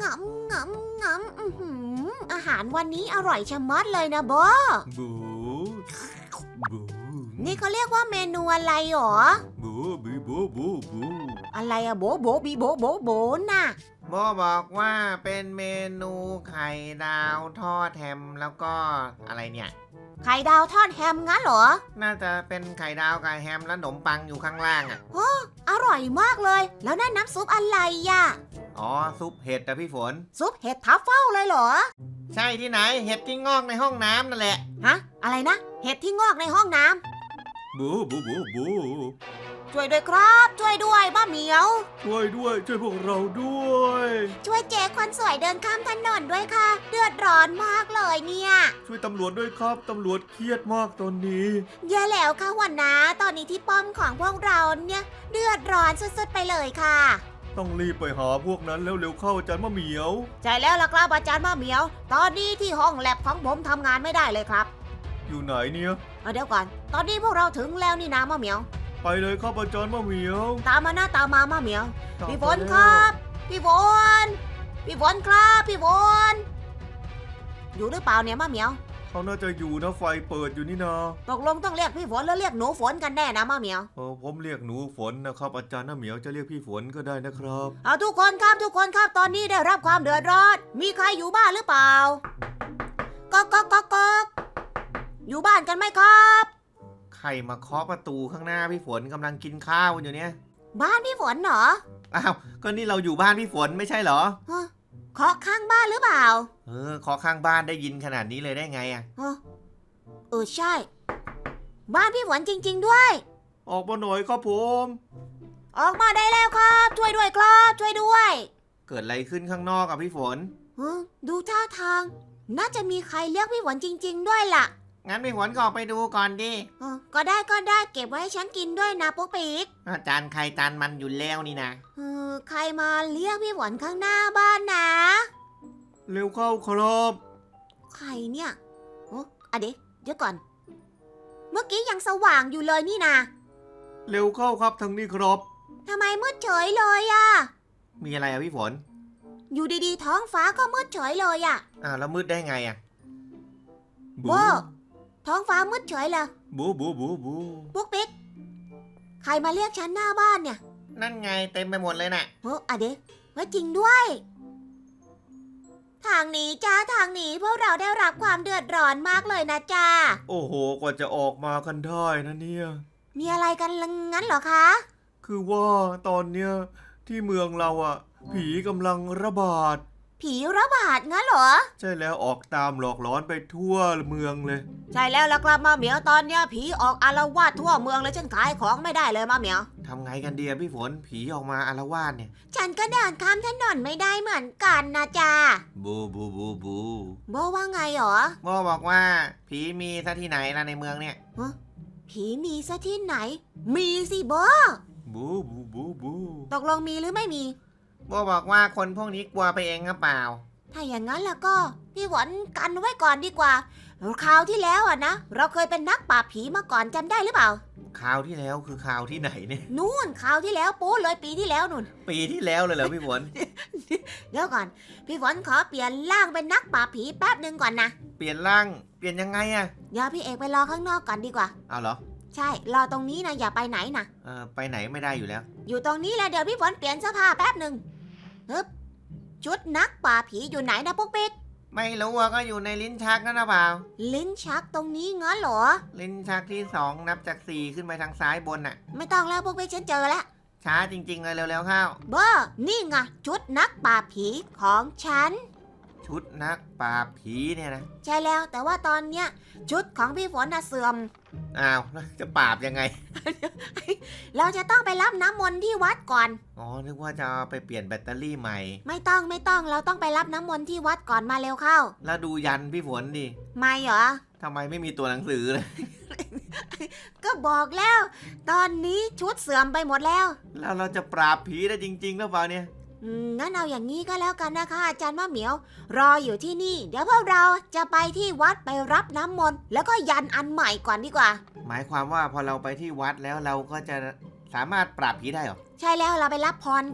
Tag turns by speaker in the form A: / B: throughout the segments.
A: งำงำงำอาหารวันนี้อร่อยชะมัดเลยนะโบ
B: บูบู
A: นี่เขาเรียกว่าเมนูอะไรหรอ
B: บูบีบูบูบู
A: อะไรอะโบโบบีโบโบโบน่ะ
C: โบบอกว่าเป็นเมนูไข่ดาวทอดแฮมแล้วก็อะไรเนี่ย
A: ไข่ดาวทอดแฮมงั้นเหรอ
C: น่าจะเป็นไข่ดาวกับแฮมและขนมปังอยู่ข้างล่างอ่ะ
A: โอ้อร่อยมากเลยแล้วนั่นน้ำซุปอะไรอะ
C: อ๋อซุปเห็ดอะพี่ฝน
A: ซุปเห็ดทัฟเฟิลเลยเหรอ
C: ใช่ที่ไหนเห็ดที่งอกในห้องน้ำนั่นแหละ
A: ฮะอะไรนะเห็ดที่งอกในห้องน้
B: ำบูบูบูบู
A: ช่วยด้วยครับช่วยด้วยป้าเหมียว
B: ช่วยด้วยช่วยพวกเราด้วย
A: ช่วยเจ๊คนสวยเดินข้ามถนนด้วยค่ะเดือดร้อนมากเลยเนี่ย
B: ช่วยตำรวจด้วยครับตำรวจเครียดมากตอนนี้
A: แย่แล้วค่ะหัวหน้าตอนนี้ที่ป้อมของพวกเราเนี่ยเดือดร้อนสุดๆไปเลยค่ะ
B: ต้องรีบไปหาพวกนั้นแล้วเร็วเข้าอาจารย์มะเหมียว
A: ใช่แล้วล่ะครับอาจารย์มะเหมียวตอนนี้ที่ห้องแลบของผมทำงานไม่ได้เลยครับ
B: อยู่ไหนเนี่ย
A: เดี๋ยวก่อนตอนนี้พวกเราถึงแล้วนี่นะมะเหมียว
B: ไปเลยครับอาจารย์มะเหมียว
A: ตามมานะตามมามะเหมียวพี่ฝนครับพี่ฝนพี่ฝนครับพี่ฝนอยู่หรือเปล่าเนี่ยมะเหมียว
B: เขาน่าจะอยู่นะไฟเปิดอยู่นี่นา
A: ตกลงต้องเรียกพี่ฝนหรือเรียกหนูฝนกันแน่นะมะเหมียว
B: ผมเรียกหนูฝนนะครับอาจารย์มะเหมียวจะเรียกพี่ฝนก็ได้นะครับ
A: ทุกคนครับตอนนี้ได้รับความเดือดร้อนมีใครอยู่บ้านหรือเปล่าก๊อกอยู่บ้านกันไหมครับ
C: ใครมาเคาะประตูข้างหน้าพี่ฝนกำลังกินข้าวอยู่เนี่ย
A: บ้านพี่ฝนเหรอ
C: อ้าวก็นี่เราอยู่บ้านพี่ฝนไม่ใช่เหรอ
A: เคาะข้างบ้านหรือเปล่า
C: เคาะข้างบ้านได้ยินขนาดนี้เลยได้ไงอ่ะ
A: ใช่บ้านพี่ฝนจริงๆด้วย
B: ออกมาหน่อยครับผม
A: ออกมาได้แล้วครับช่วยด้วยครับช่วยด้วย
C: เกิดอะไรขึ้นข้างนอกอ่ะพี่ฝน
A: ดูท่าทางน่าจะมีใครเรียกพี่ฝนจริงๆด้วยล่ะ
C: งั้นพี่ฝนก็ออกไปดูก่อนดิ
A: ก็ได้เก็บไว้ให้ฉันกินด้วยนะปุ๊กปิ๊ก
C: จานใครจานมันอยู่แล้วนี่นะ
A: ใครมาเรียกพี่ฝนข้างหน้าบ้านนะ
B: เร็วเข้าครับ
A: ใครเนี่ยเดี๋ยวก่อนเมื่อกี้ยังสว่างอยู่เลยนี่นะ
B: เร็วเข้าครับทางนี้ครับ
A: ทำไมมืดเฉยเลยอ่ะ
C: มีอะไรอ่ะพี่ฝน
A: อยู่ดีๆท้องฟ้าก็มืดเฉยเลยอ่ะ
C: แล้วมืดได้ไงอ่ะ
A: โบท้องฟ้ามืดเฉยเลย
B: บู
A: ปุ๊กปิ๊กใครมาเรียกฉันหน้าบ้านเนี่ย
C: นั่นไงเต็มไปหมดเลยน่ะ
A: เดี๋ยวว่าจริงด้วยทางนี้จ้าทางนี้พวกเราได้รับความเดือดร้อนมากเลยนะจ้า
B: โอ้โหกว่าจะออกมากันได้นะเนี่ย
A: มีอะไรกันงั้นเหรอคะ
B: คือว่าตอนเนี้ยที่เมืองเราอ่ะผีกำลังระบาด
A: ผีระบาดงั้นเหรอ
B: ใช่แล้วออกตามหลอกหลอนไปทั่วเมืองเลย
A: ใช่แล้วล่ะครับมาเหมียวตอนเนี้ยผีออกอาละวาดทั่วเมืองเลยฉันขายของไม่ได้เลยมาเหมียว
C: ทำไงกันดีพี่ฝนผีออกมาอาละวาดเนี่ย
A: ฉันก็เดินข้ามถนนไม่ได้เหมือนกันนะจ๊ะ
B: บู
A: โบว่าไงหรอ
C: โบบอกว่าผีมีซะที่ไหนล่ะในเมืองเนี่ย
A: ผีมีซะที่ไหนมีสิโบ
B: บู
A: ตกลงมีหรือไม่มี
C: โบบอกว่าคนพวกนี้กลัวไปเองหรือเปล่า
A: ถ้าอย่างนั้นแล้วก็พี่หวนกันไว้ก่อนดีกว่าคราวที่แล้วนะเราเคยเป็นนักปราบผีมาก่อนจำได้หรือเปล่า
C: คราวที่แล้วคือคราวที่ไหนเนี่ย
A: นู่นคราวที่แล้วปูเลยปีที่แล้วนู่น
C: ปีที่แล้วเลยเหรอพี่ฝน
A: เดี๋ยวก่อนพี่ฝนขอเปลี่ยนร่างเป็นนักปราบผีแป๊บนึงก่อนนะ
C: เปลี่ยนร่างเปลี่ยนยังไงอะ
A: เดี๋ยวพี่เอกไปรอข้างนอกก่อนดีกว่า
C: เอาเหรอ
A: ใช่รอตรงนี้นะอย่าไปไหนนะ
C: ไปไหนไม่ได้อยู่แล้ว
A: อยู่ตรงนี้แหละเดี๋ยวพี่ฝนเปลี่ยนเสื้อผ้าแป๊บนึงชุดนักป่าผีอยู่ไหนนะปุ๊กปิ๊ก
C: ไม่รู้ว่าก็อยู่ในลิ้นชักนั่นหรือเปล่า
A: ลิ้นชักตรงนี้งั้นเหรอ
C: ลิ้นชักที่2นับจาก4ขึ้นไปทางซ้ายบนน่ะ
A: ไม่ต้องแล้วปุ๊กปิ๊กฉันเจอแล้ว
C: ช้าจริงๆเลยเร็วๆเข้า
A: นี่ไงชุดนักป่าผีของฉัน
C: ชุดนักปราบผีเนี่ยนะ
A: ใช่แล้วแต่ว่าตอนเนี้ยชุดของพี่ฝนน่ะเสื่อม
C: อ้าวจะปราบยังไง
A: เราจะต้องไปรับน้ำมนต์ที่วัดก่อน
C: นึกว่าจะไปเปลี่ยนแบตเตอรี่ใหม่
A: ไม่ต้องเราต้องไปรับน้ำมนต์ที่วัดก่อนมาเร็วเข้า
C: แล้วดูยันพี่ฝนดิ
A: ไม่เหรอ
C: ทำไมไม่มีตัวหนังสือเลย
A: ก็บอกแล้วตอนนี้ชุดเสื่อมไปหมดแล้ว
C: เราจะปราบผีได้จริงๆหรือเปล่าเนี่ย
A: งั้นเอาอย่างนี้ก็แล้วกันนะคะอาจารย์มะเหมียวรออยู่ที่นี่เดี๋ยวพวกเราจะไปที่วัดไปรับน้ำมนต์แล้วก็ยันอันใหม่ก่อนดีกว่า
C: หมายความว่าพอเราไปที่วัดแล้วเราก็จะสามารถปราบผีได้หรอ
A: ใช่แล้วเราไปรับพรก่อน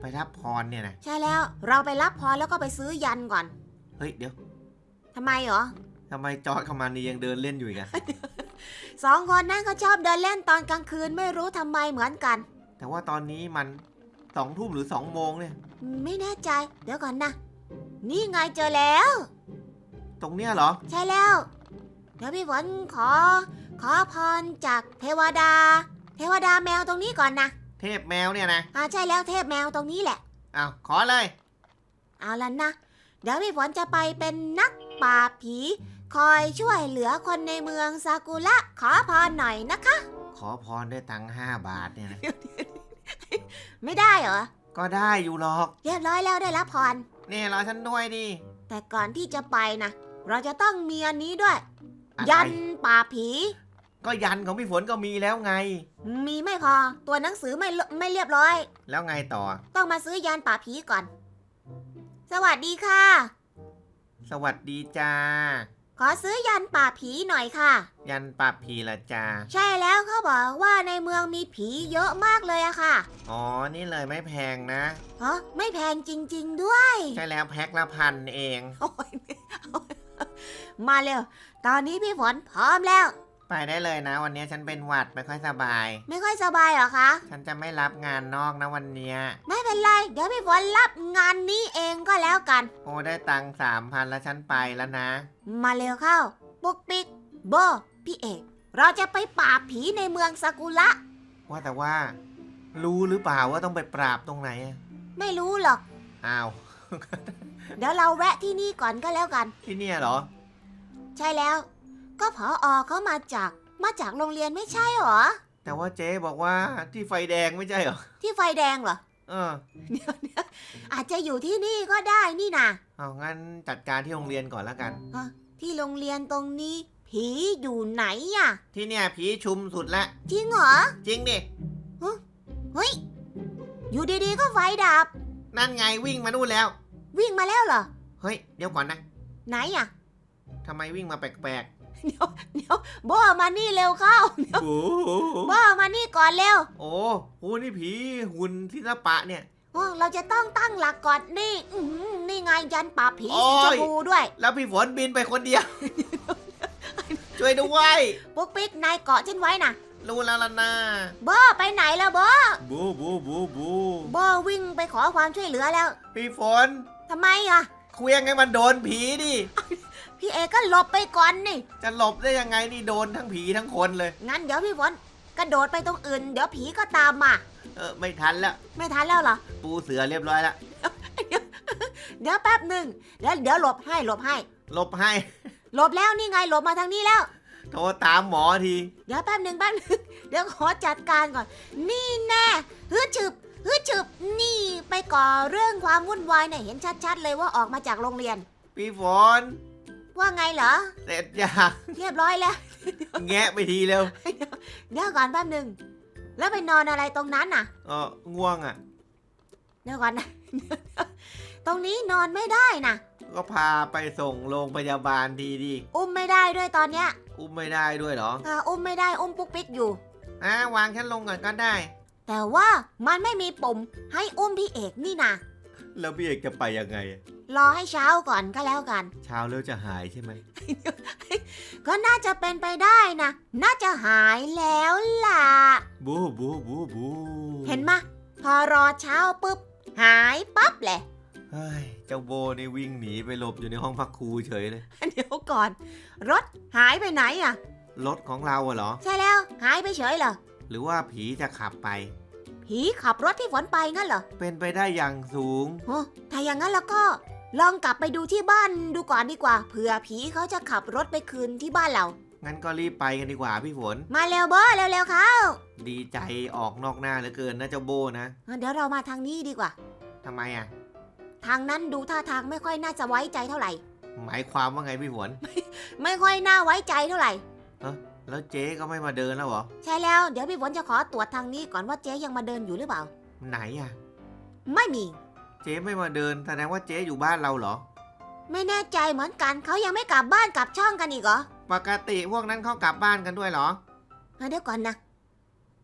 C: ไปรับพรเนี่ยนะ
A: ใช่แล้วเราไปรับพรแล้วก็ไปซื้อยันก่อน
C: เฮ้ยเดี๋ยว
A: ทำไมเหรอ
C: ทำไมจอร์จกับมันนี่ยังเดินเล่นอยู่อีกอะ
A: สองคนนั้นเขาชอบเดินเล่นตอนกลางคืนไม่รู้ทำไมเหมือนกัน
C: แต่ว่าตอนนี้มัน2 ทุ่มหรือ2 โมงเนี่ย
A: ไม่แน่ใจเดี๋ยวก่อนนะ นี่ไงเจอแล้ว
C: ตรงเนี้ยเหรอ
A: ใช่แล้ว เดี๋ยวพี่ฝนขอพรจากเทวดา เทวดาแมวตรงนี้ก่อนนะ
C: เทพแมวเนี่ยนะ
A: ใช่แล้วเทพแมวตรงนี้แหละ
C: อ้าวขอเลย
A: เอาล่ะนะ เดี๋ยวพี่ฝนจะไปเป็นนักปราบผี คอยช่วยเหลือคนในเมืองซากุระขอพรหน่อยนะคะ
C: ขอพรด้วยตังค์5 บาทเนี่ยนะ
A: ไม่ได้เหรอ
C: ก็ได้อยู่หรอก
A: เรียบร้อยแล้วได้รับพร
C: นี่รอฉันด้วยดิ
A: แต่ก่อนที่จะไปนะ เราจะต้องมีอันนี้ด้วย
C: อะไร
A: ยันป่าบผี
C: ก็ยันของพี่ฝนก็มีแล้วไง
A: มีไม่พอ ตัวหนังสือไม่เรียบร้อย
C: แล้วไงต่อ
A: ต้องมาซื้อยันป่าบผีก่อน สวัสดีค่ะ
C: สวัสดีจ้า
A: ขอซื้อยันป่าบผีหน่อยค่ะ
C: ยันปราบผีละจ้า
A: ใช่แล้วเขาบอกว่าในเมืองมีผีเยอะมากเลยอะค่ะ
C: อ๋อ นี่เลยไม่แพงนะ
A: ไม่แพงจริงๆด้วย
C: ใช่แล้วแพ็คละ1,000 เอง
A: โอ้ยมาเร็ว ตอนนี้พี่ฝนพร้อมแล้ว
C: ไปได้เลยนะ วันนี้ฉันเป็นหวัดไม่ค่อยสบาย
A: ไม่ค่อยสบายเหรอคะ
C: ฉันจะไม่รับงานนอกนะวันเนี้ย
A: ไม่เป็นไร เดี๋ยวพี่ฝนรับงานนี้เองก็แล้วกัน
C: โอ้ได้ตังค์3,000แล้วฉันไปแล้วนะ
A: มาเร็วเข้า ปุ๊กปิ๊กโบพี่เอก เราจะไปปราบผีในเมืองซากุระ
C: ว่าแต่ว่า รู้หรือเปล่าว่าต้องไปปราบตรงไหนอะ
A: ไม่รู้หรอก
C: อ้าว
A: เดี๋ยวเราแวะที่นี่ก่อนก็แล้วกัน
C: ที่เนี่ยเหรอ
A: ใช่แล้ว ก็ผอเขามาจากโรงเรียนไม่ใช่เหรอ
C: แต่ว่าเจ๊บอกว่าที่ไฟแดงไม่ใช่เหรอ
A: ที่ไฟแดงเหรอ
C: เออ
A: อาจจะอยู่ที่นี่ก็ได้นี่นะ
C: เอางั้นจัดการที่โรงเรียนก่อนแล้วกัน
A: ที่โรงเรียนตรงนี้ ผีอยู่ไหนอะ
C: ที่เนี่ยผีชุมสุดละ
A: จริงเหรอ
C: จริงดิ
A: เฮ้ย อยู่ดีๆก็ไฟดับ
C: นั่นไงวิ่งมานู่นแล้ว
A: วิ่งมาแล้วเหรอ
C: เฮ้ย เดี๋ยวก่อนนะ
A: ไหนอะ
C: ทำไมวิ่งมาแปลก
A: เดี๋ยวโบมานี่เร็วเข้า
B: โอ้โห
A: โบมานี่ก่อนเร็ว
C: ๆ โอ้โหนี่ผีหุ่นศิลปะเนี่ย
A: เราจะต้องตั้งหลักก่อนนี่นี่ไงยันป่าบผี
C: โอ้
A: สี
C: ย
A: ชมพูด้วย
C: แล้วพี่ฝนบินไปคนเดียว ช่วยด้วย
A: ปุ๊กปิ๊กนายเกาะฉันไว้นะ
C: รู้แล้วล่ะนะ
A: โบไปไหนแล้วโบ
B: บูบูบูบู
A: โบวิ่งไปขอความช่วยเหลือแล้ว
C: พี่ฝน
A: ทำไมอะ
C: เคลี้ยงให้มันโดนผีดิ
A: พี่เอก็หลบไปก่อนนี่
C: จะหลบได้ยังไงนี่โดนทั้งผีทั้งคนเลย
A: งั้นเดี๋ยวพี่ฝนกระโดดไปตรงอื่น เดี๋ยวผีก็ตามมา
C: ไม่ทันแล้ว
A: ไม่ทันแล้วเหรอ
C: ปูเสือเรียบร้อยแล้ว
A: เดี๋ยวแป๊บหนึ่งแล้วเดี๋ยวหลบให้
C: หลบให้
A: หลบแล้วนี่ไงหลบมาทางนี้แล้ว
C: โทรตามหมอที
A: เดี๋ยวแป๊บหนึ่งเดี๋ยวขอจัดการก่อน นี่แน่ฮึดฉึบนี่ไปก่อเรื่องความวุ่นวายเนี่ยเห็นชัดๆเลยว่าออกมาจากโรงเรียน
C: พี่ฝน
A: ว่าไงเหรอ
C: เสร็จยัง
A: เรียบร้อยแล้ว
C: แงะไปทีเร็ว
A: เดี๋ยวก่อนแป๊บหนึ่งแล้วไปนอนอะไรตรงนั้นน่ะ
C: ง่วงอ่ะ
A: เดี๋ยวก่อนนะ ตรงนี้นอนไม่ได้นะ
C: ก็พาไปส่งโรงพยาบาลทีดี
A: อุ้มไม่ได้ด้วยตอนเนี้ย
C: อุ้มไม่ได้ด้วยเหรอ
A: อุ้มไม่ได้อุ้มปุ๊กปิ๊กอยู่
C: วางฉันลงก่อนก็ได้
A: แต่ว่ามันไม่มีปุ่มให้อุ้มพี่เอกนี่นะ
B: แล้วพี่เอกจะไปยังไง
A: รอให้เช้าก่อนก็แล้วกัน
B: เช้าแล้วจะหายใช่ไหม
A: ก็น่าจะเป็นไปได้นะ น่าจะหายแล้วล่ะ
B: บูบูบูบู
A: เห็นมะ พอรอเช้าปุ๊บ หายปั๊บแหละ
B: เฮ้ยเจ้าโบนี่วิ่งหนีไปหลบอยู่ในห้องพักครูเฉยเลย
A: เดี๋ยวก่อน รถหายไปไหนอ่ะ
C: รถของเราเหรอ
A: ใช่แล้วหายไปเฉยเหรอ
C: หรือว่าผีจะขับไป
A: ผีขับรถที่ฝนไปงั้นเหรอ
C: เป็นไปได้อย่างสูง
A: โอ้ถ้าอย่างนั้นแล้วก็ ลองกลับไปดูที่บ้านดูก่อนดีกว่า เผื่อผีเขาจะขับรถไปคืนที่บ้านเรา
C: งั้นก็รีบไปกันดีกว่าพี่ฝน
A: มาเร็วโบเร็วๆเขา
C: ดีใจออกนอกหน้าเหลือเกินนะเจ้าโบนะ
A: เดี๋ยวเรามาทางนี้ดีกว่า
C: ทำไมอ่ะ
A: ทางนั้นดูท่าทางไม่ค่อยน่าจะไว้ใจเท่าไหร่
C: หมายความว่าไงพี่ฝน
A: ไม่ค่อยน่าไว้ใจเท่าไหร่
C: แล้วเจ๊ก็ไม่มาเดินแล้วเหรอ
A: ใช่แล้วเดี๋ยวพี่ฝนจะขอตรวจทางนี้ก่อนว่าเจ๊ยังมาเดินอยู่หรือเปล่า
C: ไหนอ่ะ
A: ไม่มี
C: เจ๊ไม่มาเดินแสดงว่าเจ๊อยู่บ้านเราเหรอ
A: ไม่แน่ใจเหมือนกันเขายังไม่กลับบ้านกลับช่องกันอีกเหรอ
C: ปกติพวกนั้นเขากลับบ้านกันด้วยเหรอ
A: เดี๋ยวก่อนนะ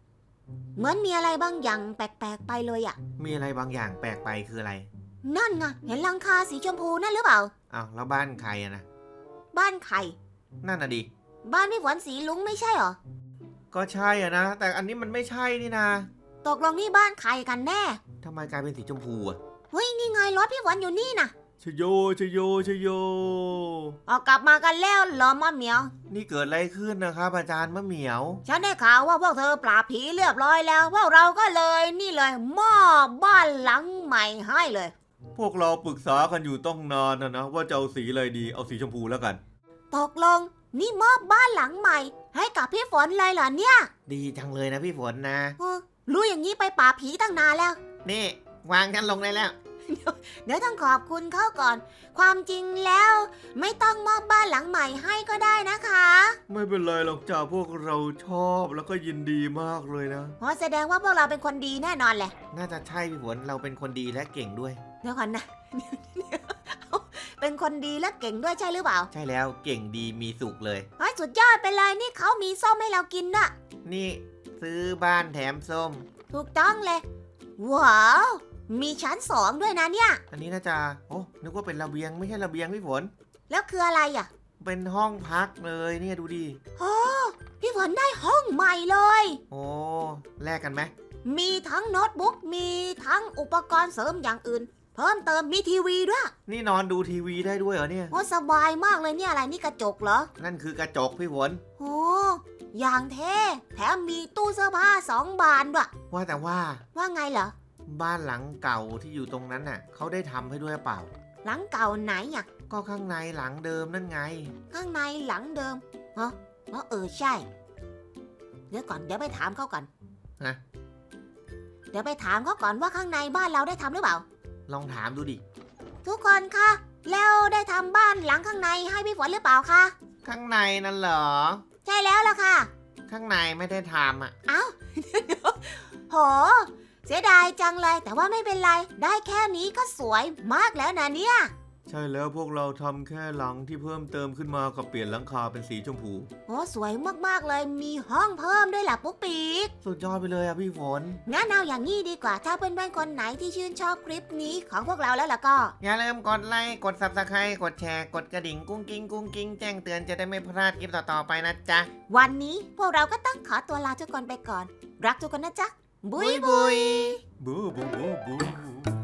A: เหมือนมีอะไรบางอย่างแปลกๆไปเลยอะ
C: มีอะไรบางอย่างแปลกไปคืออะไร
A: นั่นไงเห็นหลังคาสีชมพูนั่นหรือเปล่า
C: อ้าวแล้วบ้านใครอะนะ
A: บ้านใคร
C: นั่นน่ะดิ
A: บ้านพี่ฝนสีลุงไม่ใช่เหรอ
C: ก็ใช่อะนะ แต่อันนี้มันไม่ใช่นี่นะ
A: ตกลงนี่บ้านใครกันแน่
C: ทำไมกลายเป็นสีชมพูอะ
A: เฮ้ยนี่ไงรถพี่ฝนอยู่นี่นะ
B: ชโยชโยชโย
A: ออกกลับมากันแล้วเหรอมะเหมียว
C: นี่เกิดอะไรขึ้นนะครับอาจารย์มะเหมียว
A: ฉันได้ข่าวว่าพวกเธอปราบผีเรียบร้อยแล้วพวกเราก็เลยนี่เลยมอบบ้านหลังใหม่ให้เลย
B: พวกเราปรึกษากันอยู่ต้องนานนะว่าจะเอาสีอะไรดีเอาสีชมพูแล้วกัน
A: ตกลงนี่มอบบ้านหลังใหม่ ให้กับพี่ฝนเลยเหรอเนี่ย
C: ดีจังเลยนะพี่ฝนนะ
A: รู้อย่างนี้ไปปราบผีตั้งนานแล้ว
C: นี่วางกันลงได้แล้ว
A: เดี๋ยวต้องขอบคุณเขาก่อน ความจริงแล้ว ไม่ต้องมอบบ้านหลังใหม่ให้ก็ได้นะคะ
B: ไม่เป็นไรหรอกจ้าพวกเราชอบแล้วก็ยินดีมากเลยนะ
A: เพราะแสดงว่าพวกเราเป็นคนดีแน่นอนแหละ
C: น่าจะใช่พี่ฝนเราเป็นคนดีและเก่งด้วย
A: เดี๋ยวก่อนนะ เป็นคนดีและเก่งด้วยใช่หรือเปล่า
C: ใช่แล้วเก่งดีมีสุขเลย
A: เฮ้ยสุดยอดไปเลยนี่เขามีส้มให้เรากินน่ะ
C: นี่ซื้อบ้านแถมส้ม
A: ถูกต้องเลย ว้าว มีชั้น2ด้วยนะเนี่ย
C: อันนี้น่าจะโอ้นึกว่าเป็นระเบียงไม่ใช่ระเบียงพี่ฝน
A: แล้วคืออะไรอ่ะ
C: เป็นห้องพักเลยเนี่ยดูดิ
A: โอ้พี่ฝนได้ห้องใหม่เลย
C: โอ้แลกกันไหม
A: มีทั้งโน้ตบุ๊ก มีทั้งอุปกรณ์เสริมอย่างอื่น เพิ่มเติมมีทีวีด้วย
C: นี่นอนดูทีวีได้ด้วยเหรอเนี่ย
A: โอ้สบายมากเลยเนี่ยอะไรนี่กระจกเหรอ
C: นั่นคือกระจกพี่ฝน
A: โอ้อย่างเท่แถมมีตู้เสื้อผ้า2 บานด้วย
C: ว่าแต่ว่า
A: ว่าไงเหรอ
C: บ้านหลังเก่าที่อยู่ตรงนั้นน่ะเขาได้ทำให้ด้วยหรือเปล่า
A: หลังเก่าไหนอ่ะ
C: ก็ข้างในหลังเดิมนั่นไง
A: ข้างในหลังเดิมฮะใช่ เดี๋ยวก่อนเดี๋ยวไปถามเขาก่อน
C: ฮะ
A: เดี๋ยวไปถามเขาก่อนว่าข้างในบ้านเราได้ทำหรือเปล่า
C: ลองถามดูดิ
A: ทุกคนคะแล้วได้ทำบ้านหลังข้างในให้พี่ฝนหรือเปล่าคะ
C: ข้างในนั่นเหรอ
A: ใช่แล้วล่ะค่ะ
C: ข้างในไม่ได้ทำอ่ะ
A: เอ้า โห เสียดายจังเลย แต่ว่าไม่เป็นไร ได้แค่นี้ก็สวยมากแล้วนะเนี่ย
B: ใช่แล้วพวกเราทำแค่หลังที่เพิ่มเติมขึ้นมากับเปลี่ยนหลังคาเป็นสีชมพู
A: โอ้สวยมากๆเลย มีห้องเพิ่มด้วยล่ะปุ๊กปีก
C: สุดยอดไปเลยอ่ะพี่ฝน
A: งั้นเอาอย่างนี้ดีกว่า ถ้าเพื่อนๆคนไหนที่ชื่นชอบคลิปนี้ของพวกเราแล้วล่ะก็
C: อย่าลืมกดไลค์กด Subscribe กดแชร์กดกระดิ่งกุ้งกิ้งกุ้งกิ้งแจ้งเตือนจะได้ไม่พลาดคลิปต่อๆไปนะจ๊ะ
A: วันนี้พวกเราก็ต้องขอตัวลาทุกคนไปก่อน รักทุกคนนะจ๊ะ บุยบุย
B: บูบูบูบู